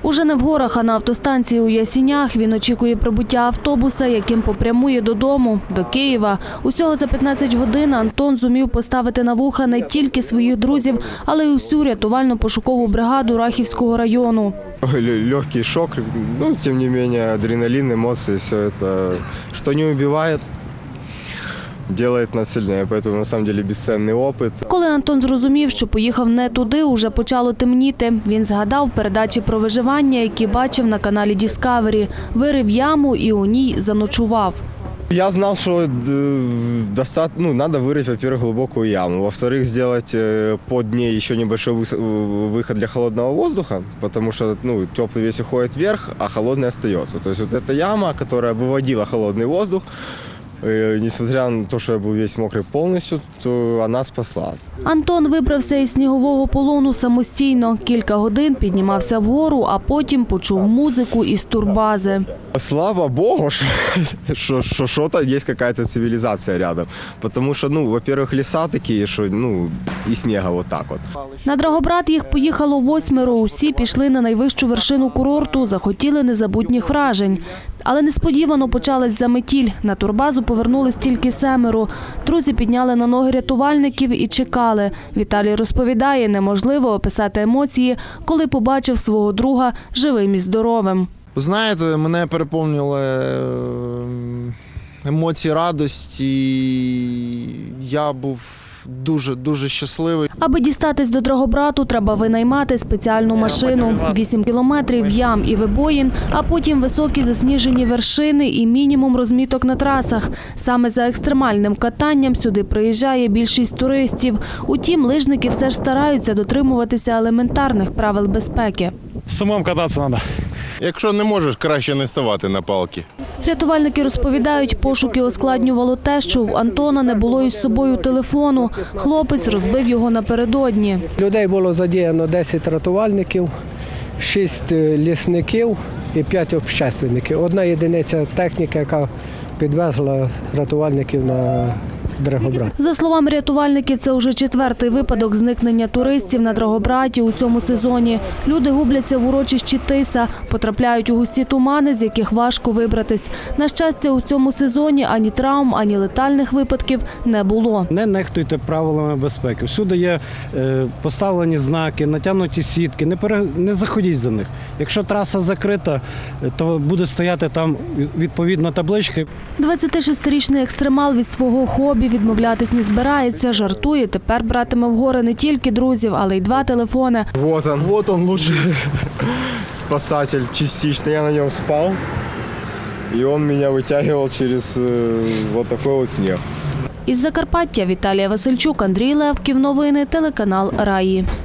Уже не в горах, а на автостанції у Ясінях він очікує прибуття автобуса, яким попрямує додому, до Києва. Усього за 15 годин Антон зумів поставити на вуха не тільки своїх друзів, але й усю рятувально-пошукову бригаду Рахівського району. Легкий шок, тем не менее адреналин, эмоции, все это, что не убивает, делает нас сильнее, поэтому на самом деле бесценный опыт. Коли Антон зрозумів, що поїхав не туди, уже почало темніти. Він згадав передачі про виживання, які бачив на каналі Discovery. Вирив яму і у ній заночував. Я знал, что надо вырыть, во-первых, глубокую яму, во-вторых, сделать под ней еще небольшой выход для холодного воздуха, потому что теплый весь уходит вверх, а холодный остается. То есть вот эта яма, которая выводила холодный воздух, несмотря на то, что я был весь мокрый полностью, то она спасла. Антон вибрався із снігового полону самостійно. Кілька годин піднімався вгору, а потім почув музику із турбази. Слава Богу, что что-то есть, какая-то цивилизация рядом. Потому что, во-первых, леса такие, что, и снега вот так вот. На Драгобрат їх поїхало 8. Усі пішли на найвищу вершину курорту, захотіли незабутніх вражень. Але несподівано почалась заметіль. На турбазу повернулись тільки 7. Друзі підняли на ноги рятувальників і чекали. Віталій розповідає, неможливо описати емоції, коли побачив свого друга живим і здоровим. Знаєте, мене переповнювали емоції радості, я був дуже щасливий. Аби дістатись до Драгобрату, треба винаймати спеціальну машину. 8 кілометрів ям і вибоїн, а потім високі засніжені вершини і мінімум розміток на трасах. Саме за екстремальним катанням сюди приїжджає більшість туристів. Утім, лижники все ж стараються дотримуватися елементарних правил безпеки. Самому кататися треба. Якщо не можеш, краще не ставати на палки. Рятувальники розповідають, пошуки ускладнювало те, що в Антона не було із собою телефону. Хлопець розбив його напередодні. Людей було задіяно 10 рятувальників, 6 лісників і 5 общественників. Одна єдиниця техніки, яка підвезла рятувальників на Драгобрат. За словами рятувальників, це вже 4-й випадок зникнення туристів на Драгобраті у цьому сезоні. Люди губляться в урочищі Тиса, потрапляють у густі тумани, з яких важко вибратись. На щастя, у цьому сезоні ані травм, ані летальних випадків не було. Не нехтуйте правилами безпеки. Всюди є поставлені знаки, натягнуті сітки. Не заходіть за них. Якщо траса закрита, то буде стояти там відповідно таблички. 26-річний екстремал від свого хобі відмовлятись не збирається. Жартує, тепер братиме в гори не тільки друзів, але й 2 телефони. Вот он лучший спасатель частично. Я на нем спал, и он меня вытягивал через вот такой вот снег. Із Закарпаття Віталія Васильчук, Андрій Левків. Новини, телеканал Раї.